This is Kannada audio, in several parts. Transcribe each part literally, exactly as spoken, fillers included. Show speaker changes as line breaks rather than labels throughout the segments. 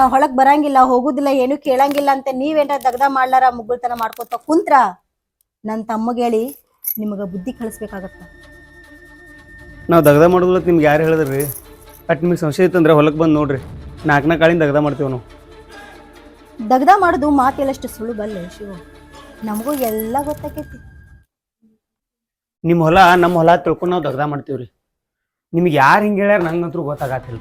ಹೊಳಗ್ ಬರಂಗಿಲ್ಲ ಹೋಗುದಿಲ್ಲ ಏನು ಕೇಳಂಗಿಲ್ಲ ಅಂತ ನೀವೇನ ದಗ್ದ ಮಾಡ್ಲಾರ ಮುಗ್ಗುಳ್ತನ ಮಾಡ್ಕೋತ ಕುಂತ್ರ ನನ್ ತಮ್ಮಗೆ ಹೇಳಿ ನಿಮಗ ಬುದ್ಧಿ ಕಳಿಸ್ಬೇಕಾಗತ್ತ.
ನಾವು ದಗ್ದ ಮಾಡೋದಿಲ್ಲ ನಿಮ್ಗೆ ಯಾರು ಹೇಳಿದ್ರಿ? ಅಟ್ ನಿಮಗೆ ಸಂಶಯ ಇತ್ತಂದ್ರೆ ಹೊಲಕ್ಕೆ ಬಂದು ನೋಡ್ರಿ, ನಾಲ್ಕು ನಾಲ್ಕು ಕಾಳಿಂದ ದಗ್ದ ಮಾಡ್ತೀವಿ ನಾವು.
ದಗ್ದ ಮಾಡೋದು ಮಾತೆಲ್ಲಷ್ಟು ಸುಳುಬಲ್ಲ ಶಿವ, ನಮಗೂ ಎಲ್ಲ ಗೊತ್ತಾಕೈತಿ.
ನಿಮ್ಮ ಹೊಲ ನಮ್ಮ ಹೊಲ ತಿಳ್ಕೊಂಡು ನಾವು ದಗ್ದ ಮಾಡ್ತೀವಿ ರೀ. ನಿಮ್ಗೆ ಯಾರು ಹಿಂಗೆ ಹೇಳ್ಯಾರ ನಂಗಂತೂ ಗೊತ್ತಾಗತ್ತಿಲ್ಲ.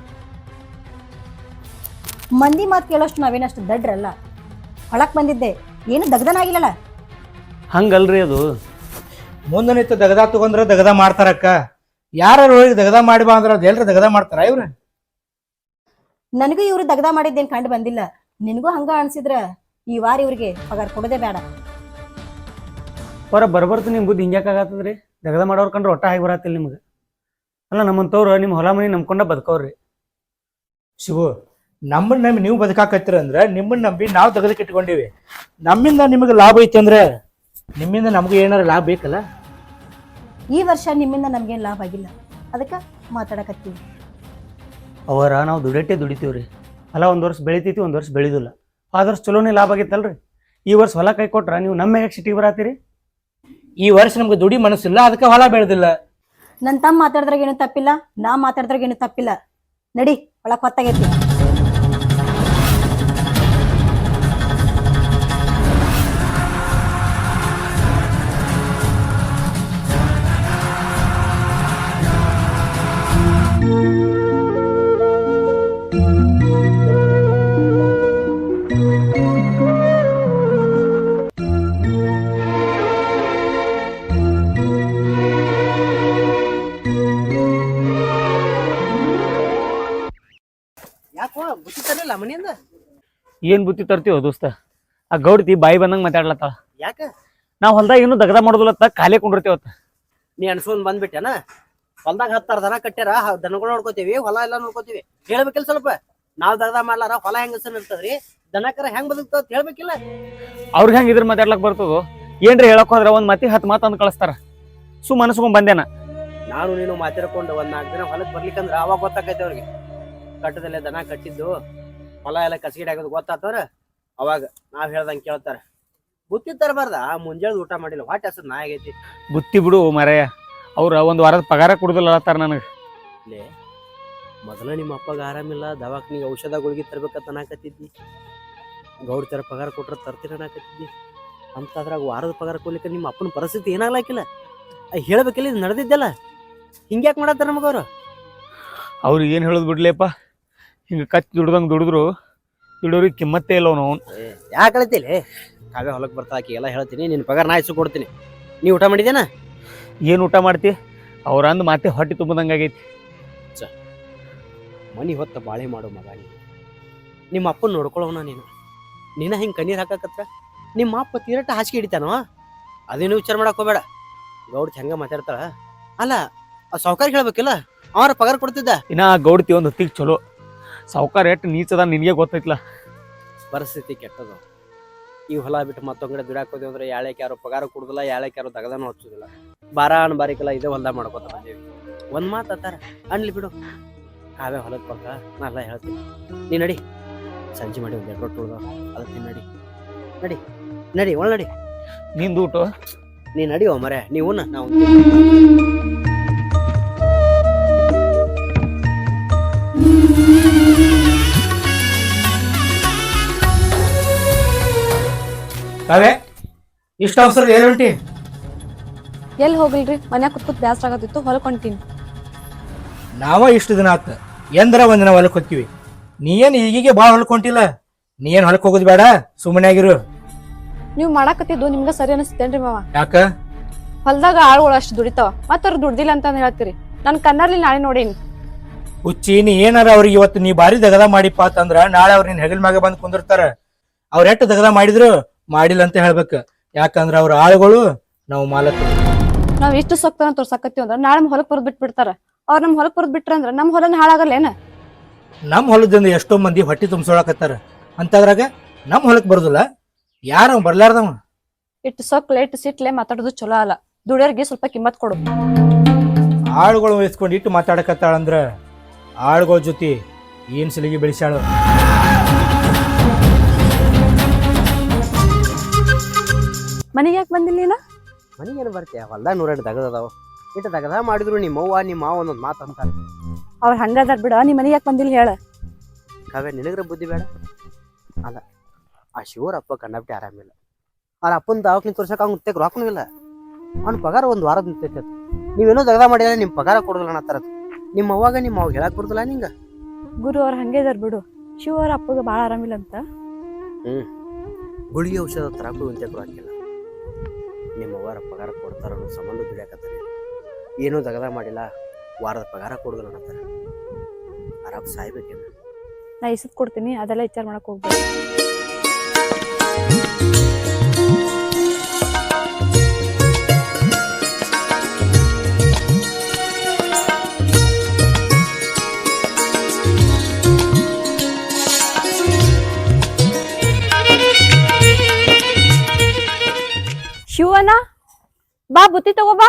ಮಂದಿ ಮಾತು ಕೇಳೋಷ್ಟು ನಾವೇನಷ್ಟು ದಡ್ರಲ್ಲ. ಹೊಳಕ್ ಬಂದಿದ್ದೆ ಏನು ದಗ್ದನಾಗಿಲ್ಲಲ್ಲ.
ಹಂಗಲ್ರಿ ಅದು.
ಮುಂದೆ ನಿಂತು ದಗದ ತಗೊಂಡ್ರ ದಗದ ಮಾಡ್ತಾರಕ್ಕ. ಯಾರು ಹೋಗಿ ದಗದ ಮಾಡಿ ಬಾ ಅಂದ್ರೆ ಅದು ಎಲ್ರು ದಗದ ಮಾಡ್ತಾರ ಇವ್ರ?
ನನಗೂ ಇವ್ರು ದಗ್ದ ಮಾಡಿದ್ದೇನು ಕಂಡು ಬಂದಿಲ್ಲ. ನಿನಗೂ ಹಂಗ ಅನ್ಸಿದ್ರ ಈ ವಾರ ಇವ್ರಿಗೆ ಪಗಾರ ಕೊಡೋದೇ ಬೇಡ.
ಹೊರ ಬರ್ಬರ್ತು ನಿಮ್ಮ ಬುದ್ಧಿ ಹಿಂಗ್ಯಾಕಾಗತ್ತದ್ರಿ? ದಗದ ಮಾಡೋರ್ ಕಂಡ್ರೆ ಒಟ್ಟ ಆಗಿ ಬರತ್ತಿಲ್ಲ ನಿಮ್ಗೆ. ಅಲ್ಲ ನಮ್ಮಂತವ್ರು ನಿಮ್ಮ ಹೊಲ ಮನೆ ನಂಬ್ಕೊಂಡ ಬದುಕವ್ರಿ.
ಶಿವು, ನಮ್ಮನ್ನ ನಂಬಿ ನೀವು ಬದುಕಾಕತ್ತೀರ ಅಂದ್ರೆ ನಿಮ್ಮನ್ನ ನಂಬಿ ನಾವು ದಗದಕ್ಕೆ ಇಟ್ಕೊಂಡಿವಿ. ನಮ್ಮಿಂದ ನಿಮಗೆ ಲಾಭ ಐತಿ ಅಂದ್ರೆ ನಿಮ್ಮಿಂದ ನಮಗೂ ಏನಾರ ಲಾಭ ಬೇಕಲ್ಲ.
ಈ ವರ್ಷ ನಿಮ್ಮಿಂದ ನಮ್ಗೇನು ಲಾಭ ಆಗಿಲ್ಲ, ಅದಕ್ಕೆ ಮಾತಾಡಕತ್ತೀವಿ.
ಅವರ ನಾವು ದುಡಟ್ಟೆ ದುಡಿತೀವ್ರಿ. ಹೊಲ ಒಂದು ವರ್ಷ ಬೆಳಿತೈತಿ, ಒಂದು ವರ್ಷ ಬೆಳೆದಿಲ್ಲ. ಆದ ವರ್ಷ ಚಲೋನೇ ಲಾಭ ಆಗಿತ್ತಲ್ರಿ. ಈ ವರ್ಷ ಹೊಲ ಕೈ ಕೊಟ್ರ ನೀವು ನಮ್ಮ ಮ್ಯಾಗ ಸಿಟಿಗೆ ಬರತ್ತೀರಿ.
ಈ ವರ್ಷ ನಮ್ಗೆ ದುಡಿ ಮನಸ್ಸಿಲ್ಲ, ಅದಕ್ಕೆ ಹೊಲ ಬೆಳೆದಿಲ್ಲ.
ನನ್ನ ತಮ್ಮ ಮಾತಾಡಿದ್ರಾಗ ಏನು ತಪ್ಪಿಲ್ಲ, ನಾ ಮಾತಾಡಿದ್ರಾಗ ಏನು ತಪ್ಪಿಲ್ಲ. ನಡಿ ಒಳಗೆ ಹೊತ್ತಾಗೈತಿ.
ಮನೆಯಿಂದ
ಏನ್ ಬುತ್ತಿ ತರ್ತೀವೋ ದೋಸ್ತ? ಆ ಗೌಡ್ತಿ ಬಾಯಿ ಬಂದಂಗೆ ಮಾತಾಡ್ಲತ್ತಾಳ.
ಯಾಕ?
ನಾವು ಹೊಲ್ದಾಗ ಏನು ದಗದ ಮಾಡೋದಿಲ್ಲತ್ತ, ಖಾಲಿ ಕುಂಡಿರ್ತೀವತ್ತ.
ನೀ ಅನ್ಸ್ಕೊಂಡ್ ಬಂದ್ಬಿಟ್ಟೆನ? ಹೊಲ್ದಾಗ ಹತ್ತಾರ ದನ ಕಟ್ಟ್ಯಾರ, ದನಗಳು ನೋಡ್ಕೋತೀವಿ, ಹೊಲ ಎಲ್ಲ ನೋಡ್ಕೋತೀವಿ. ಹೇಳ್ಬೇಕಿಲ್ಲ ಸ್ವಲ್ಪ. ನಾವ್ ದಗದ ಮಾಡ್ಲಾರ ಹೊಲ ಹೆಂಗ ಇರ್ತದ್ರಿ, ದನಕರ ಹೆಂಗ್ ಬದುಕ್ತಾವ ಹೇಳ್ಬೇಕಿಲ್ಲ.
ಅವ್ರಿಗೆ ಹೆಂಗ್ ಇದ್ರ ಮಾತಾಡ್ಲಕ್ ಬರ್ತದೋ ಏನ್ರಿ? ಹೇಳಕ್ ಹೋದ್ರ ಒಂದ್ ಮತಿ ಹತ್ತು ಮಾತು ಅಂದ್ ಕಳಿಸ್ತಾರ. ಸುಮ್ ಅನ್ಸ್ಕೊಂಡ್ ಬಂದೇನ.
ನಾನು ನೀನು ಮಾತಾಡ್ಕೊಂಡು ಒಂದ್ ನಾಲ್ಕು ದಿನ ಹೊಲಕ್ ಬರ್ಲಿಕ್ಕಂದ್ರ ಅವಾಗ ಗೊತ್ತಾಕೈತೆ ಅವ್ರಿಗೆ. ಕಟ್ಟದಲ್ಲೇ ದನ ಕಟ್ಟಿದ್ದು ಹೊಲ ಎಲ್ಲ ಕಸಗಿಡ ಆಗೋದು ಗೊತ್ತಾತವ್ರ. ಅವಾಗ ನಾವ್ ಹೇಳ್ದಂಗೆ ಕೇಳ್ತಾರ. ಬುತ್ತಿ ತರಬಾರ್ದ? ಮುಂಜಾನೆ ಊಟ ಮಾಡಿಲ್ಲ, ಹೊಟ್ಟೆ ಹಸದ್ ನಾ ಆಗೈತಿ.
ಬುತ್ತಿ ಬಿಡು ಮಾರಾಯ, ಅವ್ರ ಒಂದ್ ವಾರದ ಪಗಾರ ಕೊಡುದಿಲ್ಲ ಅತ್ತಾರ ನನಗೆ.
ಲೇ, ಮೊದಲ ನಿಮ್ಮ ಅಪ್ಪಗ ಆರಾಮಿಲ್ಲ, ದವಾಖಾನಿಗೆ ಔಷಧ ಗುಳಿಗೆ ತರ್ಬೇಕಂತ ಅನ್ನಕತ್ತಿದ್ದಿ. ಗೌಡ್ ತರ ಪಗಾರ ಕೊಟ್ರ ತರ್ತೀರ ಅನ್ನಕತ್ತಿದ್ದಿ. ಅಂತದ್ರಾಗ ವಾರದ ಪಗಾರ ಕೊಡ್ಲಿಕ್ಕೆ ನಿಮ್ಮ ಅಪ್ಪನ ಪರಿಸ್ಥಿತಿ ಏನಾಗ್ಲಾಕಿಲ್ಲ. ಹೇಳ್ಬೇಕಿಲ್ಲ, ಇದು ನಡೆದಿದ್ದಲ್ಲ. ಹಿಂಗ್ಯಾಕೆ ಮಾಡತ್ತಾರ ನಮಗವ್ರು?
ಅವ್ರಿಗೆ ಏನು ಹೇಳೋದು ಬಿಡ್ಲೇಪ್ಪ. ಹಿಂಗೆ ಕಚ್ಚಿ ದುಡ್ದಂಗೆ ದುಡಿದ್ರು ದುಡಿಯೋರಿಗೆ ಕಿಮ್ಮತ್ತೇ ಇಲ್ಲ ನಾವು.
ಯಾಕೆ ಹೇಳ್ತಿಲ್ಲ? ಕಾವ್ಯ ಹೊಲಕ್ಕೆ ಬರ್ತಾ ಆಕಿ ಎಲ್ಲ ಹೇಳ್ತೀನಿ, ನಿನ್ನ ಪಗಾರ ನಾ ಇಸ್ಸು ಕೊಡ್ತೀನಿ. ನೀ ಊಟ ಮಾಡಿದೇನ?
ಏನು ಊಟ ಮಾಡ್ತಿ? ಅವ್ರ ಅಂದ್ ಮಾತೆ ಹೊಟ್ಟೆ ತುಂಬದಂಗೆ ಆಗೈತಿ.
ಚ ಮನಿ ಹೊತ್ತ ಬಾಳೆ ಮಾಡು ಮಗ ನೀನು. ನಿಮ್ಮ ಅಪ್ಪನ ನೋಡ್ಕೊಳ್ಳೋಣ ನೀನು. ನೀನ ಹಿಂಗೆ ಕಣ್ಣೀರು ಹಾಕಕತ್ರ ನಿಮ್ಮ ಅಪ್ಪ ತೀರಟ್ಟ ಹಾಸಿಗೆ ಹಿಡಿತಾನೋ? ಅದೇನು ವಿಚಾರ ಮಾಡಕ್ ಹೋಗ್ಬೇಡ. ಗೌಡ್ತಿ ಹೆಂಗ ಮಾತಾಡ್ತಾಳ. ಅಲ್ಲ, ಆ ಸಾವುಕಾರಿಗೆ ಹೇಳ್ಬೇಕಿಲ್ಲ, ಅವ್ರ ಪಗಾರ ಕೊಡ್ತಿದ್ದ.
ಇನ್ನ ಗೌಡ್ತಿ ಒಂದು ಹೊತ್ತಿಗೆ ಚಲೋ, ಸಾವುಕಾರ ಎಷ್ಟು ನೀಚದ ನಿನಗೆ ಗೊತ್ತೈತ್ಲ.
ಪರಿಸ್ಥಿತಿ ಕೆಟ್ಟದ. ಈ ಹೊಲ ಬಿಟ್ಟು ಮತ್ತೊಂಗಡೆ ದುಡ್ಯಾಕ್ ಹೋದೇವು ಅಂದ್ರೆ ಯಾಳ್ಯಾಕೆ ಯಾರು ಪಗಾರ ಕೊಡುದಿಲ್ಲ, ಯಾಳ್ಯಾಕೆ ಯಾರು ತಗದಾನು ಹಚ್ಚುದಿಲ್ಲ. ಬಾರ ಅನ್ ಬಾರಿಕಲ್ಲ ಇದೇ ಹೊಲ್ದಾಗ ಮಾಡ್ಕೋತ ಬಂದೇವಿ. ಒಂದ್ ಮಾತು ಅತ್ತಾರ ಅನ್ಲಿ ಬಿಡು. ಕಾವೇ ಹೊಲಕ್ಕೆ ಬರ್ತಾ ನಾ ಎಲ್ಲ ಹೇಳ್ತೀನಿ. ನೀ ನಡಿ, ಸಂಜೆ ಮಾಡಿ ಒಂದ್ ಎರಡು ರೊಟ್ಟಿ ಉಳ್ದ ಅದಕ್ಕೆ ನಡಿ ನಡಿ ನಡಿ ಒಳ ನಡಿ.
ನಿಂದು ಊಟ
ನೀ ನಡಿ ಓ ಮರೆ, ನೀವು ನಾವು
ಕಾವ್ಯ, ಇಷ್ಟ ಅವಸರ ಏನು ಹೊಂಟಿ?
ಎಲ್ಲಿ ಹೋಗಿಲ್ರಿ, ಮನ್ಯಾಗ ಕುತ್ಕುತ್ ಬ್ಯಾಸ್ರ ಆಗತ್ತಿತ್ತು, ಹೊಲಕ್ ಹೊಂಟೀನಿ.
ನಾವ ಇಷ್ಟು ದಿನ ಆತ ಎಂದ್ರ ಒಂದಿನ ಹೊಲಕ್ ಹೋಗ್ತೀವಿ. ನೀ ಏನ್ ಈಗೀಗೆ ಭಾಳ ಹೊಲಕ್ ಹೊಂಟಿಲ್ಲ. ನೀ ಏನ್ ಹೊಲಕ್ ಹೋಗೋದು ಬೇಡ, ಸುಮ್ಮನೆ ಆಗಿರು.
ನೀವ್ ಮಾಡಾಕತ್ತಿದ್ದು ನಿಮ್ಗ ಸರಿ ಅನಿಸ್ತೇನ್ರಿ ಮಾವ?
ಯಾಕ?
ಹೊಲ್ದಾಗ ಆಳುಗಳು ಅಷ್ಟು ದುಡಿತಾವ, ಮತ್ತ ಅವ್ರು ದುಡ್ದಿಲ್ಲ ಅಂತ ಹೇಳ್ತೀರಿ. ನನ್ ಕಣ್ಣಲ್ಲಿ ನಾಳೆ ನೋಡೀನಿ.
ಹುಚ್ಚಿ, ನೀ ಏನಾರ ಅವ್ರಿಗೆ ಇವತ್ತು ನೀ ಬಾರಿ ದಗದ ಮಾಡಿಪ್ಪ ಅಂತಂದ್ರ ನಾಳೆ ಅವ್ರ ನಿನ್ ಹೆಗಲ್ ಮ್ಯಾಗ ಬಂದ್ ಕುಂದಿರ್ತಾರ. ಅವ್ರ ಎಷ್ಟು ದಗದ ಮಾಡಿದ್ರು ಮಾಡಿಲ್ಲ ಅಂತ ಹೇಳ್ಬೇಕ. ಯಾಕಂದ್ರ ಅವ್ರ ಆಳುಗಳು, ನಾವು ಮಾಲಕರು.
ನಾವ್ ಇಷ್ಟು ಸೊಕ್ತನ ತೋರ್ಸಾಕತ್ತೀವಿ ಅಂದ್ರ ನಾಳೆ ನಮ್ ಹೊಲಕ್ ಬರದ್ ಬಿಟ್ ಬಿಡ್ತಾರ. ಅವ್ರ ನಮ್ ಹೊಲಕ್ ಬರದ್ ಬಿಟ್ರ ಅಂದ್ರ ನಮ್ ಹೊಲನ ಹಾಳಾಗಲ್ಲ ಏನ?
ನಮ್ ಹೊಲದಿಂದ ಎಷ್ಟೋ ಮಂದಿ ಹೊಟ್ಟಿ ತುಂಬಿಸೋಳಕತ್ತಾರ, ಅಂತದ್ರಾಗ ನಮ್ ಹೊಲಕ್ ಬರುದಿಲ್ಲ. ಯಾರ ಬರ್ಲಾರ್ದವ?
ಇಟ್ಟು ಸೊಕ್ಲೆ ಇಟ್ಟು ಸಿಟ್ಲೆ ಮಾತಾಡೋದು ಚಲೋ ಅಲ್ಲ. ದುಡಿಯೋರ್ಗೆ ಸ್ವಲ್ಪ ಕಿಮ್ಮತ್ ಕೊಡು.
ಆಳುಗಳು ವಹಿಸ್ಕೊಂಡು ಇಟ್ಟು ಮಾತಾಡಕತ್ತಾಳಂದ್ರ ಆಳುಗಳ ಜೊತೆ ಏನ್ ಸಲಿಗೆ ಬೆಳೆಸಾಳು.
ಮನೆಗೆ ಯಾಕೆ ಬಂದಿಲ್ಲ ನೀನು?
ಮನೆಗೆ ಏನು ಬರ್ತೀಯ? ಹೊಲ್ದಾಗ ನೂರೆಂಟು ದಗದದಾವ. ಇಟ್ಟು ದಗದ ಮಾಡಿದ್ರು ನಿಮ್ಮ ಅವ್ವ ನಿಮ್ಮ ಮಾವ ಒಂದೊಂದು ಮಾತು ಅಂತಾರೆ.
ಅವ್ರು ಹಂಗದಾರ್ ಬಿಡ, ನೀ ಮನೆಗೆ ಯಾಕೆ ಬಂದಿಲ್ಲ ಹೇಳ.
ಕಾವ್ಯ ನಿನಗ್ರ ಬುದ್ಧಿ ಬೇಡ ಅಲ್ಲ. ಆ ಶಿವರ ಅಪ್ಪ ಕಂಡಬಿಟ್ಟು ಆರಾಮಿಲ್ಲ. ಅವ್ರ ಅಪ್ಪನ ದವಾಖಾನೆ ತೋರ್ಸಕ್ಕೆ ಅವ್ನು ತೆಗ್ ರೊಕ್ಕನೂ ಇಲ್ಲ. ಅವ್ನ ಪಗಾರ ಒಂದು ವಾರದ ನಿಂತೈತೆ. ನೀವೇನೋ ದಗದ ಮಾಡಿದ್ರೆ ನಿಮ್ಮ ಪಗಾರ ಕೊಡೋದಿಲ್ಲ ಅನ್ನತ್ತಾರ. ನಿಮ್ಮ ಅವ್ವಾಗ ನಿಮ್ಮ ಅವಾಗ ಹೇಳಕ್ ಬರ್ತಲ್ಲ ನಿಂಗೆ.
ಗುರು ಅವ್ರು ಹಂಗೆ ಇದಾರ್ ಬಿಡು. ಶಿವ ಅವ್ರ ಅಪ್ಪಗೆ ಭಾಳ ಆರಾಮಿಲ್ಲ ಅಂತ.
ಹ್ಞೂ ಗುಳಿಗೆ ಔಷಧ ತರಕ್ಕೂ ಇಂತೆ ಕೊಡಾಕಿಲ್ಲ. ನಿಮ್ಮ ಅವ್ವರ ಪಗಾರ ಕೊಡ್ತಾರ ಅನ್ನೋ ಸಂಬಂಧ ದುಡಿಯಾಕತ್ತಾರೆ. ಏನೂ ದಗದ ಮಾಡಿಲ್ಲ, ವಾರದ ಪಗಾರ ಕೊಡೋದಿಲ್ಲ ಅನ್ನತ್ತಾರೆ. ಆರಾಮ್ ಸಾಯ್ಬೇಕೇನು?
ನಾ ಇಸದ್ ಕೊಡ್ತೀನಿ, ಅದೆಲ್ಲ ವಿಚಾರ ಮಾಡಕ್ ಹೋಗ್ಬೇಡ. ಶಿವನ ಬಾ, ಬುತ್ತಿ ತಗೋ ಬಾ.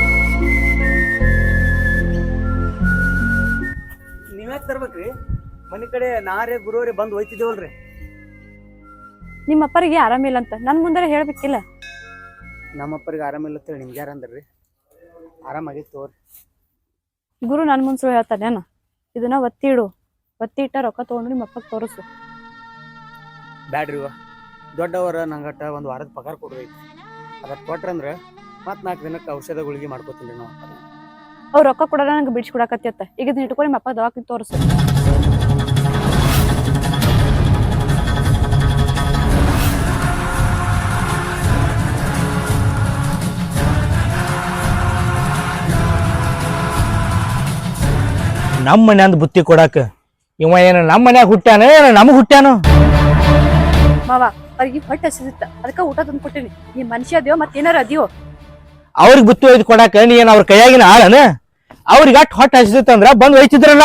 ನೀವ್ಯಾಕೆ ತರ್ಬೇಕ್ರಿ? ಮನೆ ಕಡೆ ನಾರೇ ಗುರುವರೇ ಬಂದು ಹೋಯ್ತಿದ್ದೇವಲ್ರಿ.
ನಿಮ್ಮ ಅಪ್ಪರಿಗೆ ಆರಾಮಿಲ್ಲ ಅಂತ ನನ್ ಮುಂದೆ ಹೇಳ್ಬೇಕಿಲ್ಲ.
ನಮ್ಮಪ್ಪರಿಗೆ ಆರಾಮಿಲ್ಲ ಅಂತೇಳಿ ನಿಮ್ಗೆ ಯಾರು ಅಂದ್ರಿ? ಆರಾಮಾಗಿತ್ತು ತೋರಿ.
ಗುರು ನನ್ ಮುಂದೆ ಸುಳ್ಳು ಹೇಳ್ತಾನೇನು? ಇದನ್ನ ಒತ್ತಿ ಇಡು, ಒತ್ತಿ ಇಟ್ಟ ರೊಕ್ಕ ತಗೊಂಡು ನಿಮ್ಮ ಅಪ್ಪಗೆ ತೋರಿಸು.
ಬ್ಯಾಡ್ರಿ ದೊಡ್ಡವರ ನಂಗಟ್ಟ ಒಂದು ವಾರದ ಪಗಾರ ಕೊಡ್ಬೇಕು. ಅದಕ್ಕೆ ಕೊಟ್ರಂದ್ರೆ ಮತ್ತೆ ನಾಲ್ಕು ದಿನಕ್ಕೆ ಔಷಧ ಗುಳಿಗೆ ಮಾಡ್ಕೋತೀನಿ ನಾವು.
ಅವ್ರು ರೊಕ್ಕ ಕೊಡಲ್ಲ, ನಂಗೆ ಬಿಡ್ಸಿ ಕೊಡಕತ್ತ. ಈಗ ಇದನ್ನ ಇಟ್ಕೊಂಡು ನಿಮ್ಮ ಅಪ್ಪ ದವಾಖಾನೆ ತೋರಿಸು.
ನಮ್ಮ ಮನ್ಯಾಂದ ಬುತ್ತಿ ಕೊಡಾಕ ಇವ ಏನ ನಮ್ಮ ಮನ್ಯಾಗ ಹುಟ್ಟ್ಯಾನ ಏನ ನಮಗ್ ಹುಟ್ಟ್ಯಾನು?
ಮಾವ ಅವ್ರಿಗೆ ಹೊಟ್ಟೆ ಹಸಿದಿತ್ತ, ಅದಕ್ಕೆ ಊಟ ತಂದು ಕೊಟ್ಟಿನಿ. ನೀ ಮನುಷ್ಯ ಅದ್ಯೋ ಮತ್ತೇನಾರ ಅದ್ಯೋ?
ಅವ್ರಿಗೆ ಬುತ್ತಿ ಒಯ್ದು ಕೊಡಾಕ ನೀ ಏನ್ ಅವ್ರ ಕೈಯಾಗಿನ ಆಳನ? ಅವ್ರಿಗೆ ಅಟ್ ಹೊಟ್ಟೆ ಹಸಿದಿತ್ತಂದ್ರ ಬಂದ್ ಒಯ್ತಿದ್ರಲ್ಲ.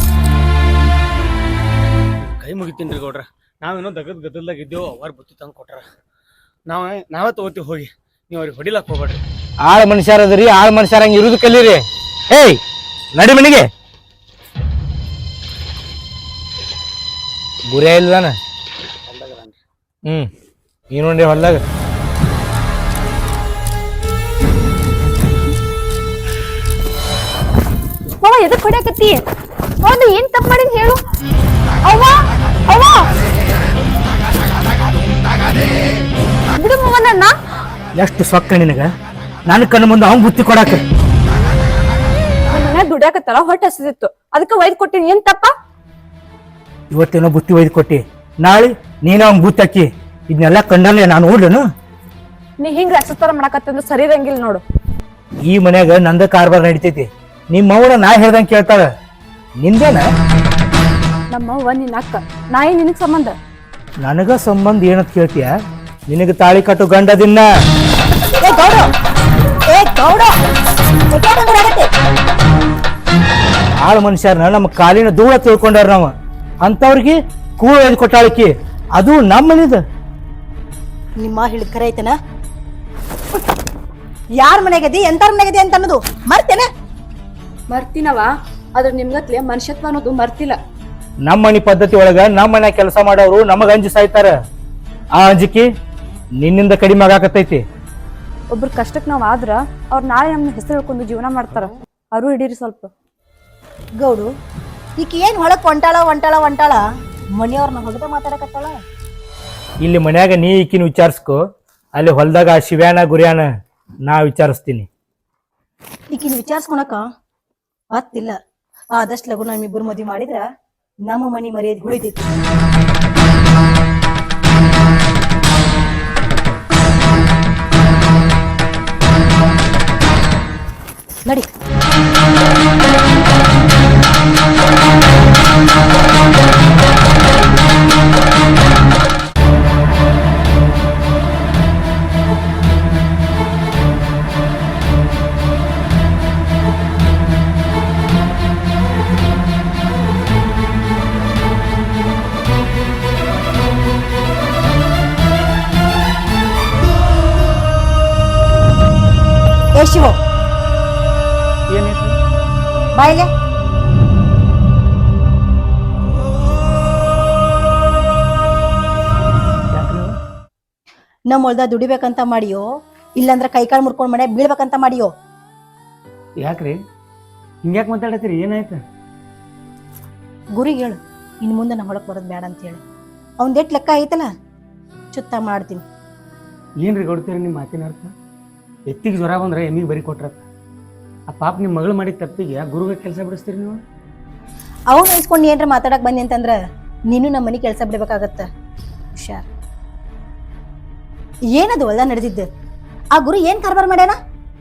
ಕೈ ಮುಗಿತೀನಿ ಗೌಡ್ರ. ನಾವೇನೋ ದಗದ್ ಗದ್ದಲ್ದಾಗ ಇದ್ದೇವು, ಅವ್ರ ಬುತ್ತಿ ತಂದು ಕೊಟ್ಟಾರ. ನಾವ ನಾವೇ ತಗೋತೀವಿ ಹೋಗಿ. ನೀವು ಅವ್ರಿಗೆ ಹೊಡಿಲಕ್ ಹೋಗ್ಬೇಡ್ರಿ.
ಆಳ್ ಮನುಷ್ಯರ ಅದರಿ, ಆಳ್ ಮನುಷ್ಯರ ಹಂಗ ಇರುದು ಕಲೀರಿ. ಏಯ್ ನಡಿ ಮನಿಗೆ. ಗುರಿಯ ಇಲ್ದಾನ? ಹ್ಮ್ ನೀನು ನೋಡಿ ಹೊಲ್ದಾಗ.
ಮಾವ ಎದಕ್ ಹೊಡ್ಯಾಕತ್ತಿ? ಹೌದು, ಏನ್ ತಪ್ಪು ಮಾಡಿದ್ ಹೇಳು. ಅವ್ವ ಅವ್ವ ಬಿಡು ಮಾವ ನನ್ನ.
ಎಷ್ಟು ಸೊಕ್ಕ ನಿನಗ? ನನ್ನ ಕಣ್ಣು ಮುಂದೆ ಅವ್ನ್ ಬುತ್ತಿ ಕೊಡಾಕ.
ನಮ್ಮ ಮನ್ಯಾಗ ದುಡ್ಯಾಕತ್ತಲ್ಲ, ಹೊಟ್ಟೆ ಹಸಿದಿತ್ತು, ಅದಕ್ಕೆ ಒಯ್ದು ಕೊಟ್ಟಿನಿ. ಏನ್ ತಪ್ಪ?
ಇವತ್ತೇನೋ ಬುತ್ತಿ ಒಯ್ದು ಕೊಟ್ಟಿ, ನಾಳೆ ನೀನು ಅವ್ನ್ ಬುತ್ತಿ ಹಾಕಿ. ಇದನ್ನೆಲ್ಲ ಕಂಡಲ್ಲೇ ನಾನು ಓಡ್ಲೇನು?
ನೀ ಹಿಂಗ್ ರಸತರ ಮಾಡಕತ್ತಂದ್ರೆ ಸರಿ ಇರಂಗಿಲ್ಲ ನೋಡು.
ಈ ಮನ್ಯಾಗ ನಂದ ಕಾರ್ಬಾರ್ ನಡಿತೈತಿ. ನಿಮ್ಮ ಅವನ ನಾ ಹೇಳ್ದಂಗೆ ಕೇಳ್ತಾಳ. ನಿಂದೇನ?
ನಮ್ಮವ್ವ ನಿನ್ನ ಅಕ್ಕ, ನಾಯಿ ನಿನಗ್ ಸಂಬಂಧ.
ನನಗ ಸಂಬಂಧ ಏನಂತ ಕೇಳ್ತೀಯ? ನಿನಗ ತಾಳಿ ಕಟ್ಟು ಗಂಡದಿನ್ನ. ಆಳು ಮನುಷ್ಯರ್ನ ನಮ್ಮ ಕಾಲಿನ ಧೂಳ ತಿಳ್ಕೊಂಡಾರ ನಾವ. ಅಂತವ್ರಿಗೆ ಕೂಳು ಒಯ್ದು ಕೊಟ್ಟಾಳಕಿ, ಅದು ನಮ್ಮ ಮನಿದ.
ನಿಮ್ಮ ಹೇಳಿದ ಖರೆ ಐತನ? ಯಾರ ಮನೆಗದಿ ಎಂತಾರ ಮನೆಗದಿ ಅಂತ ಅನ್ನೋದು ಮರ್ತೇನ?
ಮರ್ತಿನವ, ಆದ್ರೆ ನಿಮ್ಗತ್ಲೆ ಮನುಷ್ಯತ್ವ ಅನ್ನೋದು ಮರ್ತಿಲ್ಲ.
ನಮ್ಮ ಮನಿ ಪದ್ಧತಿ ಒಳಗ ನಮ್ಮ ಮನೆ ಕೆಲಸ ಮಾಡೋರು ನಮಗ ಅಂಜಿ ಸಾಯ್ತಾರ. ಆ ಅಂಜಿಕೆ ನಿನ್ನಿಂದ ಕಡಿಮೆ ಆಗಾಕತ್ತೈತಿ.
ಒಬ್ರ ಕಷ್ಟಕ್ ನಾವ್ ಆದ್ರ ಅವ್ರ ನಾಳೆ ನಮ್ನ ಹೆಸರು ಹೇಳ್ಕೊಂಡು ಜೀವನ ಮಾಡ್ತಾರ. ಅವರು ಹಿಡೀರಿ ಸ್ವಲ್ಪ.
ಗೌಡು ಈಕಿ ಏನ್ ಹೊಳಕ್ ಹೊಂಟಾಳ ಹೊಂಟಾಳ ಹೊಂಟಾಳ ಮನೆಯವ್ರನ್ನ ಹೊಗದ ಮಾತಾಡಕತ್ತಾಳ.
ಇಲ್ಲಿ ಮನ್ಯಾಗ ನೀ ಈಕಿನ ವಿಚಾರಿಸ್ಕೊ, ಅಲ್ಲಿ ಹೊಲ್ದಾಗ ಆ ಶಿವ್ಯಾನ ಗುರಿಯಾನ ನಾ ವಿಚಾರಿಸ್ತೀನಿ.
ಈಕಿನ ವಿಚಾರಿಸ್ಕೊಳಕ ಆತಿಲ್ಲ. ಆದಷ್ಟು ಲಗು ನಮ್ಮಿಬ್ಬರು ಮದ್ವಿ ಮಾಡಿದ್ರ ನಮ್ಮ ಮನಿ ಮರ್ಯಾದೆ ಉಳಿತೈತಿ. ನಡಿ. ಏ ಶಿವ, ಬಾಯಿಲೆ. ನಮ್ಮ ಹೊಲ್ದ ದುಡಿಬೇಕಂತ ಮಾಡಿಯೋ ಇಲ್ಲಾಂದ್ರೆ ಕೈಕಾಲು ಮುರ್ಕೊಂಡ್ ಮನೆ ಬೀಳ್ಬೇಕಂತ ಮಾಡಿಯೋ?
ಯಾಕ್ರಿ ಹಿಂಗ್ಯಾಕೆ ಮಾತಾಡತ್ತೀರಿ? ಏನಾಯ್ತು?
ಗುರಿಗೆ ಹೇಳು ಇನ್ನು ಮುಂದೆ ನಮ್ಮ ಹೊಳಕ್ ಬರೋದು ಬೇಡ ಅಂತ ಹೇಳಿ. ಅವ್ನ್ದೆಟ್ ಲೆಕ್ಕ ಐತಲ್ಲ ಚುತ್ತ ಮಾಡ್ತೀನಿ.
ಏನ್ರಿ ಕೊಡ್ತೀರಿ ನಿಮ್ಮ ಮಾತಿನ ಅರ್ಥ? ಎತ್ತಿಗೆ ಜ್ವರ ಬಂದ್ರೆ ಎಮ್ಮಿಗೆ ಬರಿ ಕೊಟ್ರತ್ತ. ಆ ಪಾಪ ನಿಮ್ಮ ಮಗಳು ಮಾಡಿದ ತಪ್ಪಿಗೆ ಆ ಗುರುಗೆ ಕೆಲಸ ಬಿಡಿಸ್ತೀರಿ ನೀವು?
ಅವ್ನು ಇಸ್ಕೊಂಡು ಏನ್ರ ಮಾತಾಡಕ್ ಬಂದಿ ಅಂತಂದ್ರ ನೀನು ನಮ್ಮ ಮನೆ ಕೆಲಸ ಬಿಡ್ಬೇಕಾಗತ್ತ. ಹುಷಾರ್. ಏನದು ಹೊಲ್ದ ನಡೆದಿದ್ದು? ಆ ಗುರು ಏನ್ ಕಾರ್ಬಾರ್ ಮಾಡ್ಯಾನ?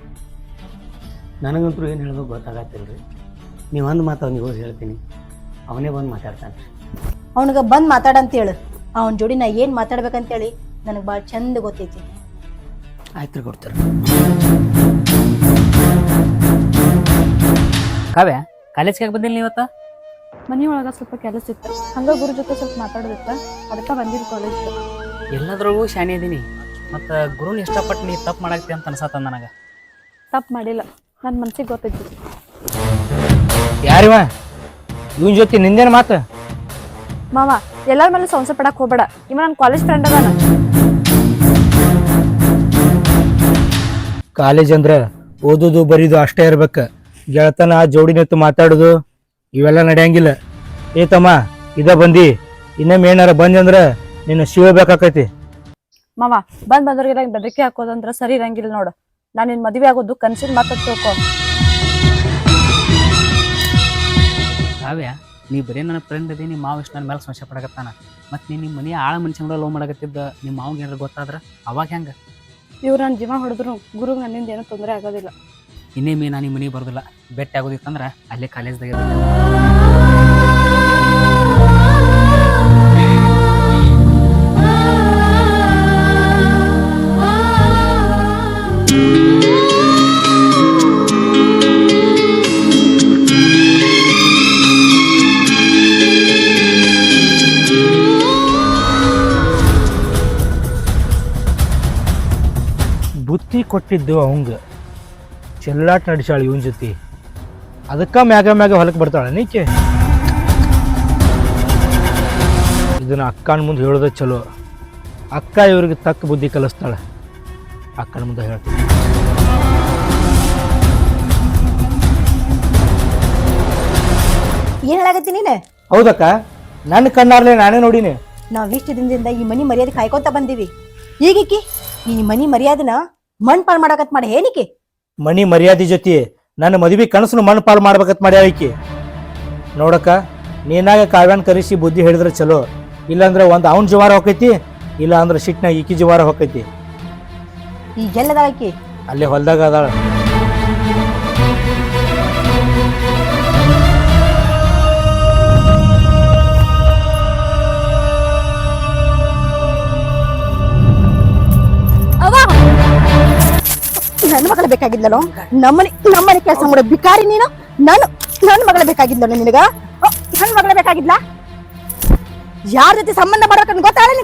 ನನಗಂತೂ ಏನು ಹೇಳೋದು ಗೊತ್ತಾಗತ್ತಿಲ್ರಿ. ನೀವು ಒಂದು ಮಾತು ಅವ್ನಿಗೆ ಹೋಗಿ ಹೇಳ್ತೀನಿ, ಅವನೇ ಬಂದು ಮಾತಾಡ್ತಾನೆ.
ಅವನಿಗ ಬಂದ್ ಮಾತಾಡಂತ ಹೇಳು. ಅವನ ಜೋಡಿ ನಾ ಏನ್ ಮಾತಾಡ್ಬೇಕಂತೇಳಿ ನನಗೆ ಭಾಳ ಚಂದ ಗೊತ್ತೈತಿ.
ಆಯ್ತು ರೀ ಕೊಡ್ತಾರೆ.
ಕಾವ್ಯ ಕಾಲೇಜ್ಗೆ ಯಾಕೆ ಬಂದಿಲ್ಲ ನೀವತ್ತ?
ಮನಿ ಒಳಗ ಸ್ವಲ್ಪ ಕೆಲಸ ಇತ್ತು, ಹಂಗ ಗುರು ಜೊತೆ ಸ್ವಲ್ಪ ಮಾತಾಡೋದಿತ್ತ, ಅದಕ್ಕ ಬಂದಿದ್ದು ಕಾಲೇಜ್.
ಎಲ್ಲದ್ರೊಳಗೂ ಶಾನೆ ಇದೀನಿ, ಮತ್ತು ಗುರುನ ಇಷ್ಟಪಟ್ಟು ನೀ ತಪ್ಪು ಮಾಡಾಕ್ತಿ ಅಂತ ಅನ್ಸತ್ತ ನನಗೆ.
ತಪ್ಪು ಮಾಡಿಲ್ಲ, ನನ್ನ ಮನ್ಸಿಗೆ ಗೊತ್ತೈತಿ.
ಯಾರಿವ ಇವನ್ ಜೊತೆ ನಿಂದೇನು ಮಾತು?
ಮಾವ ಎಲ್ಲರ ಮೇಲೆ ಸಂಶಯ ಪಡಕ್ ಹೋಗ್ಬೇಡ, ಇವ ನನ್ನ ಕಾಲೇಜ್ ಫ್ರೆಂಡ್ ಅದಾನ.
ಕಾಲೇಜ್ ಅಂದ್ರೆ ಓದೋದು ಬರೀದು ಅಷ್ಟೇ ಇರ್ಬೇಕ. ಗೆಳತನ ಜೋಡಿ ನಿಂತು ಮಾತಾಡೋದು ಇವೆಲ್ಲ ನಡೆಯಂಗಿಲ್ಲ. ಏ ತಮ್ಮ ಇದ ಬಂದಿ, ಇನ್ನೊಮ್ಮೆ ಏನಾರ ಬಂದಿ ಅಂದ್ರ ನಿನ್ನ ಶಿವಬೇಕಾಕೈತಿ.
ಮಾವ ಬಂದ್ ಬಂದವ್ರಿಗೆಲ್ಲ ಬೆದರಿಕೆ ಹಾಕೋದಂದ್ರ ಸರಿ ಇರಂಗಿಲ್ಲ ನೋಡು. ನಾನು ನಿನ್ ಮದುವೆ ಆಗೋದು ಕನ್ಸಿನ್ ಮಾತಾಡ್ ತಿಳ್ಕೊ.
ಕಾವ್ಯ ನೀ ಬರೀ ನನ್ನ ಫ್ರೆಂಡ್ ಅದಿ, ನಿಮ್ಮ ಮಾವ ಇಷ್ಟು ನನ್ನ ಮೇಲೆ ಸಂಶಯ ಪಡಕತ್ತಾನ. ಮತ್ತು ನೀನು ನಿಮ್ಮ ಮನೆ ಆಳ ಮನುಷ್ಯನ ಲವ್ ಮಾಡಕತ್ತಿದ್ದ ನಿಮ್ಮ ಮಾವಿಗೆ ಏನಾರು ಗೊತ್ತಾದ್ರೆ ಅವಾಗ ಹೆಂಗೆ?
ಇವ್ರು ನನ್ನ ಜೀವ ಹೊಡೆದ್ರು ಗುರುಗ್ ನನ್ನಿಂದ ಏನೂ ತೊಂದರೆ ಆಗೋದಿಲ್ಲ.
ಇನ್ನೇಮೇ ನಾನು ನಿಮ್ಮ ಮನೆಗೆ ಬರೋದಿಲ್ಲ. ಭೇಟಿ ಆಗೋದಿತ್ತಂದ್ರೆ ಅಲ್ಲೇ ಕಾಲೇಜ್ದಾಗ
ಬುತ್ತಿ ಕೊಟ್ಟಿದ್ದು ಅವಂಗ, ಚೆಲ್ಲಾಟ ನಡೆಸಾಳ ಇವನ್ ಜೊತೆ. ಅದಕ್ಕ ಮ್ಯಾಗ ಮ್ಯಾಗ ಹೊಲಕ್ಕೆ ಬರ್ತಾಳ ನೀಕೆ. ಇದನ್ನ ಅಕ್ಕನ ಮುಂದೆ ಹೇಳೋದ ಚಲೋ. ಅಕ್ಕ ಇವ್ರಿಗೆ ತಕ್ಕ ಬುದ್ಧಿ ಕಲಿಸ್ತಾಳ. ಅಕ್ಕನ ಮುಂದೆ ಹೇಳ್ತೀನಿ.
ಏನ್ ಹೇಳಾಗತ್ತಿ ನೀನು?
ಹೌದಕ್ಕ, ನನ್ನ ಕಣ್ಣಾರ್ಲೆ ನಾನೇ ನೋಡಿನಿ.
ನಾವ್ ಇಷ್ಟು ದಿನದಿಂದ ಈ ಮನಿ ಮರ್ಯಾದೆ ಕಾಯ್ಕೊಂತ ಬಂದೀವಿ. ಈಗಿಕ್ಕಿ ಈ ಮನಿ ಮರ್ಯಾದನ ಮಣ್ ಪಾಲ್ ಮಾಡಕತ್ ಮಾಡಿ ಏನಿಕೆ?
ಮನಿ ಮರ್ಯಾದೆ ಜೊತೆ ನನ್ನ ಮದುವೆ ಕನಸನ್ನು ಮಣ್ಣು ಪಾಲು ಮಾಡ್ಬೇಕತ್ ಮಾಡ್ಯಾವ ಈಕಿ. ನೋಡಕ್ಕ, ನೀನಾಗ ಕಾವ್ಯಾನ್ ಕರೆಸಿ ಬುದ್ಧಿ ಹೇಳಿದ್ರೆ ಚಲೋ. ಇಲ್ಲಾಂದ್ರೆ ಒಂದು ಅವನ ಜವಾರ ಹೋಕೈತಿ, ಇಲ್ಲ ಅಂದ್ರೆ ಸಿಟ್ನಾಗ ಈಕಿ ಜವಾರ ಹೋಕೈತಿ.
ಈಗೆಲ್ಲದ ಆಕಿ
ಅಲ್ಲೇ ಹೊಲ್ದಾಗ ಅದಾಳ.
ನನ್ನ ಮಗಳ ಬೇಕಾಗಿದ್ಲೋ? ನಮ್ಮನೆ ನಮ್ಮನೆ ಕೆಲಸ ಮಾಡೋ ಬಿಕಾರಿ ನೀನು. ನಾನು ನನ್ನ ಮಗಳ ಬೇಕಾಗಿದ್ಲೋ ನಿನಗ? ನನ್ನ ಮಗಳ ಬೇಕಾಗಿದ್ಲ? ಯಾರ ಜೊತೆ ಸಂಬಂಧ ಮಾಡ್ಬೇಕಂತ ಗೊತ್ತಾಳ ನಿನಗ?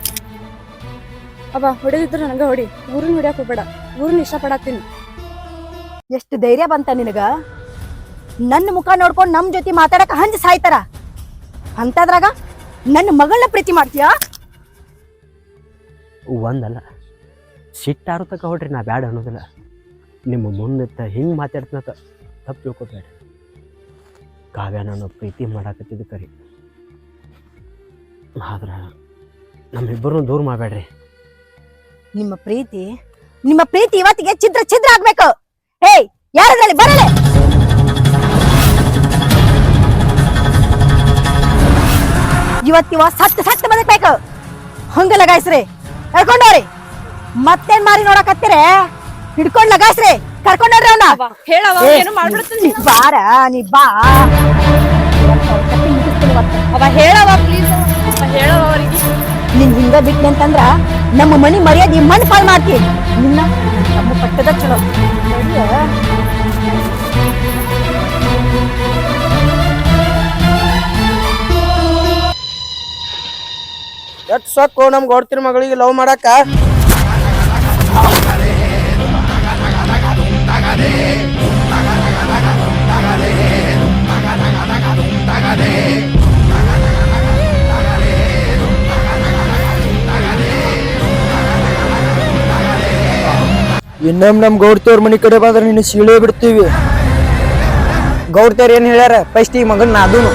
ಅವ ಹೊಡೆದಿದ್ರೆ ನನಗ ಹೊಡಿ, ಊರನ್ನ ಹೊಡ್ಯಾಕ್ ಹೋಗ್ಬೇಡ. ಊರನ್ನ ಇಷ್ಟಪಡತ್ತೀನಿ.
ಎಷ್ಟು ಧೈರ್ಯ ಬಂತ ನಿನಗ? ನನ್ನ ಮುಖ ನೋಡ್ಕೊಂಡು ನಮ್ ಜೊತೆ ಮಾತಾಡಕ ಹಂಜ ಸಾಯ್ತಾರ ಅಂತದ್ರಾಗ ನನ್ನ ಮಗಳನ್ನ ಪ್ರೀತಿ ಮಾಡ್ತೀಯಾ?
ಒಂದಲ್ಲ ಸಿಟ್ಟಾರು ತಕ ಹೊಡ್ರಿ, ನಾ ಬ್ಯಾಡ ಅನ್ನೋದಿಲ್ಲ. ನಿಮ್ಮ ಮುಂದೆತ್ತ ಹಿಂಗೆ ಮಾತಾಡ್ತೀನಂತ ತಪ್ಪು ತಿಳ್ಕೊಬೇಡ. ಕಾವ್ಯ ನಾನು ಪ್ರೀತಿ ಮಾಡಾಕತ್ತಿದ್ದು ಕರಿ, ಆದ್ರೆ ನಮ್ಮಿಬ್ಬರನ್ನು ದೂರ ಮಾಡಬೇಡ್ರಿ.
ನಿಮ್ಮ ಪ್ರೀತಿ ನಿಮ್ಮ ಪ್ರೀತಿ ಇವತ್ತಿಗೆ ಛಿದ್ರ ಛಿದ್ರ ಆಗ್ಬೇಕು. ಹೇಯ್, ಯಾರದ್ರಲ್ಲಿ ಬರಲೆ? ಇವತ್ತಿವ ಸತ್ತು ಸತ್ತು ಬದುಕ್ಬೇಕು. ಹಂಗ ಲಗಾಯಿಸ್ರಿ, ಕರ್ಕೊಂಡವ್ರಿ. ಮತ್ತೇನ್ ಮಾರಿ ನೋಡಕತ್ತೀರೆ? ಹಿಡ್ಕೊಂಡ್ ಲಗಾಯಿಸ್ರಿ, ಕರ್ಕೊಂಡವ್ರಿ ಅವನ.
ಹೇಳವ ಏನು ಮಾಡ್ಬಿಡ್ತೀನಿ.
ಬಾರ, ನೀ ಬಾ.
ಅವ ಹೇಳವ ಪ್ಲೀಸ್, ಹೇಳವ ಅವರಿಗೆ.
ನಿನ್ ಹಿಂಗ ಬಿಟ್ನಿ ಅಂತಂದ್ರ ನಮ್ಮ ಮನಿ ಮರ್ಯಾದೆ ಮಣ್ಣು ಪಾಲ್ ಮಾಡ್ತಿ. ನಿನ್ನ ನಮ್ಮ ಪಟ್ಟದ ಚಲೋ
ಎಷ್ಟ್ ಸೊಕ್ಕು ನಮ್ ಗೌಡ್ತಿರ್ ಮಗಳಿಗೆ ಲವ್ ಮಾಡಾಕ. ಇನ್ನೊಮ್ಮೆ ನಮ್ ಗೌಡ್ತಿಯವ್ರ ಮನಿ ಕಡೆ ಬಂದ್ರೆ ನಿನ್ನ ಸೀಳೆ ಬಿಡ್ತೀವಿ. ಗೌಡ್ತಿಯವ್ರ ಏನ್ ಹೇಳ್ಯಾರ ಫಸ್ಟ್ ಈ ಮಗನ್ ನಾದೂನು.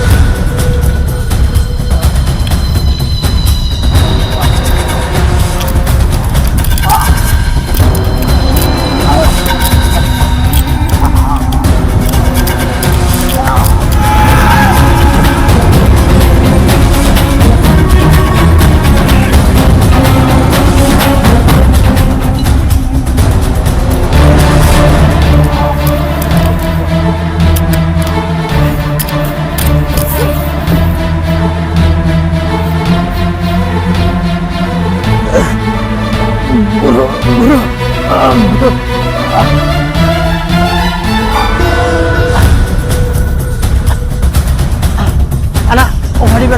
ಅಣ್ಣ ಹೊಡಿಬೇಡ.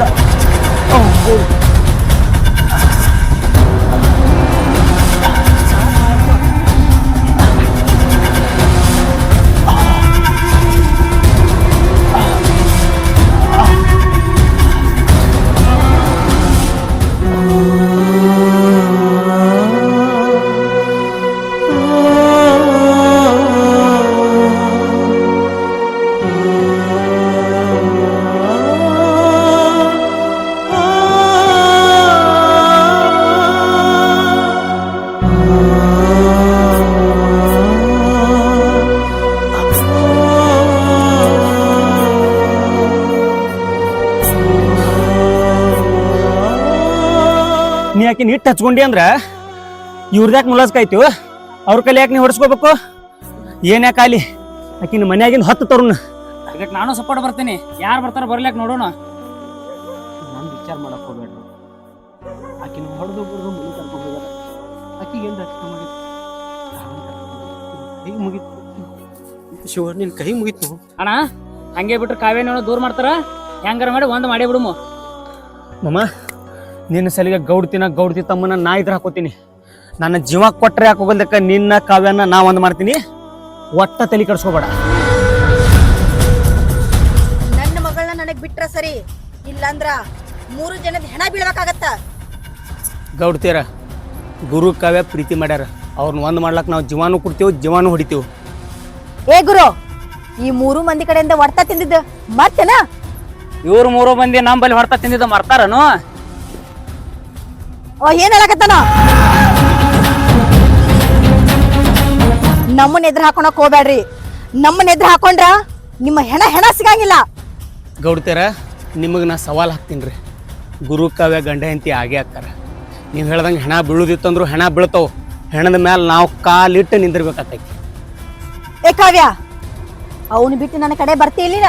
ನೀ ಯಾಕೆ ನೀಟ್ ಹಚ್ಕೊಂಡಿ ಅಂದ್ರ ಇವ್ರದ್ಯಾಕೆ ಮುಲಾಸ್ಕಾಯ್ತು? ಅವ್ರ ಕೈಲಿ ಯಾಕೆ ನೀ ಹೊಡ್ಸ್ಕೋಬೇಕು? ಏನ್ ಯಾಕಾಲಿ ಆಕಿನ ಮನ್ಯಾಗಿಂದ ಹತ್ತು ತರುಣ.
ಇದಕ್ಕೆ ನಾನು ಸಪೋರ್ಟ್ ಬರ್ತೀನಿ. ಯಾರು ಬರ್ತಾರ ಬರ್ಲಿಕ್ಕೆ ನೋಡೋಣ.
ನಾನು ವಿಚಾರ ಮಾಡಕ್ ಹೋಗ್ಬೇಡ್ರಿ. ಆಕಿನ ಹೊಡೆದು ಬಿಡ್ದು ಮನೆ ಕರ್ಕೊಂಡು ಹೋಗ್ಯಾರ. ಆಕಿಗೆ ಏನು ರಕ್ಷಣೆ ಮಾಡಿತ್ತು? ಕೈ ಮುಗಿತು ಶಿವ, ನಿನ್ ಕೈ ಮುಗಿತು
ಅಣ್ಣ. ಹಂಗೆ ಬಿಟ್ರೆ ಕಾವ್ಯನ ದೂರ ಮಾಡ್ತಾರ. ಹೆಂಗಾರ ಮಾಡಿ ಒಂದ್ ಮಾಡೇ ಬಿಡುಮು.
ಮಮ್ಮ, ನಿನ್ನ ಸಲಿಗೆ ಗೌಡ್ತಿನ ಗೌಡ್ತಿ ತಮ್ಮನ ನಾ ಇದ್ರ ಹಾಕೋತೀನಿ. ನನ್ನ ಜೀವ ಕೊಟ್ರೆ ಹಾಕೋಗಲ್ದಕ್ಕ ನಿನ್ನ ಕಾವ್ಯನ ನಾ ಒಂದ್ ಮಾಡ್ತೀನಿ. ಒಟ್ಟ ತಲೆ ಕಡ್ಸ್ಕೋಬೇಡ.
ನನ್ನ ಮಗಳನ್ನ ನನಗ್ ಬಿಟ್ರ ಸರಿ, ಇಲ್ಲಂದ್ರ ಮೂರು ಜನದ ಹೆಣ ಬೀಳ್ಬೇಕಾಗತ್ತ.
ಗೌಡ್ತೀರ ಗುರು ಕಾವ್ಯ ಪ್ರೀತಿ ಮಾಡ್ಯಾರ. ಅವ್ರನ್ನ ಒಂದ್ ಮಾಡ್ಲಕ್ ನಾವು ಜೀವಾನು ಕೊಡ್ತೀವಿ, ಜೀವಾನು ಹೊಡಿತೀವಿ.
ಏ ಗುರು, ಈ ಮೂರು ಮಂದಿ ಕಡೆಯಿಂದ ಹೊಡ್ತಾ ತಿಂದಿದ್ದ ಮತ್ತೇನ?
ಇವ್ರು ಮೂರು ಮಂದಿ ನಮ್ಮಲ್ಲಿ ಹೊಡ್ತಾ ತಿಂದಿದ್ದ ಮರ್ತಾರನು?
ಅವ ಏನ್ ಹೇಳಕತ್ತಾನ? ನಮ್ಮನ್ನ ಎದ್ರ ಹಾಕೊಳಕ್ ಹೋಗ್ಬೇಡ್ರಿ. ನಮ್ಮನ್ನ ಎದ್ರ ಹಾಕೊಂಡ್ರ ನಿಮ್ಮ ಹೆಣ ಹೆಣ ಸಿಗಂಗಿಲ್ಲ.
ಗೌಡ್ತೀರ ನಿಮಗೆ ನಾ ಸವಾಲ್ ಹಾಕ್ತೀನಿ. ಗುರು ಕಾವ್ಯ ಗಂಡ ಹೆಂಡತಿ ಆಗೇ ಹಾಕ್ತಾರ. ನೀವು ಹೇಳ್ದಂಗೆ ಹೆಣ ಬೀಳುದಿತ್ತಂದ್ರು ಹೆಣ ಬೀಳ್ತಾವ. ಹೆಣದ ಮ್ಯಾಲ ನಾವು ಕಾಲಿಟ್ಟು ನಿಂದಿರ್ಬೇಕಾಗ್ತೈತಿ.
ಏ ಕಾವ್ಯ, ಅವನು ಬಿಟ್ಟು ನನ್ನ ಕಡೆ ಬರ್ತೀಲಿನ?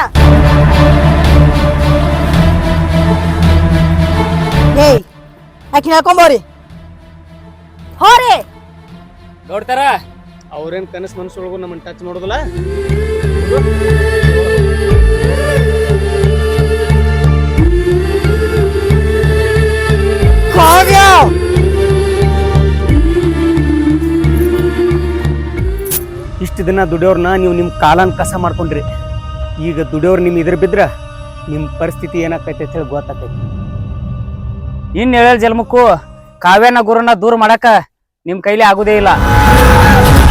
ಏಯ್, ಆಕಿ ಹೇಳ್ಕೊಂಬೋರಿ ಹೋರಿ.
ಗೌಡ್ತಾರ ಅವ್ರೇನ್ ಕನಸು ಮನಸ್ಸೊಳಗು ನಮ್ಮನ್ನ ಟಚ್ ಮಾಡೋದಿಲ್ಲ.
ಕಾವ್ಯ,
ಇಷ್ಟು ದಿನ ದುಡಿಯೋರ್ನ ನೀವು ನಿಮ್ಮ ಕಾಲನ್ ಕಸ ಮಾಡ್ಕೊಂಡ್ರಿ. ಈಗ ದುಡಿಯೋರು ನಿಮ್ ಇದ್ರ ಬಿದ್ರ ನಿಮ್ಮ ಪರಿಸ್ಥಿತಿ ಏನಾಕೈತೆ ಅಂತ ಹೇಳಿ ಗೊತ್ತಾಕೈತಿ.
ಇನ್ ಹೇಳ ಜನ್ಮಕ್ಕೂ ಕಾವ್ಯನ ಗುರುನ ದೂರ ಮಾಡಕ ನಿಮ್ ಕೈಲಿ ಆಗುದೇ ಇಲ್ಲ.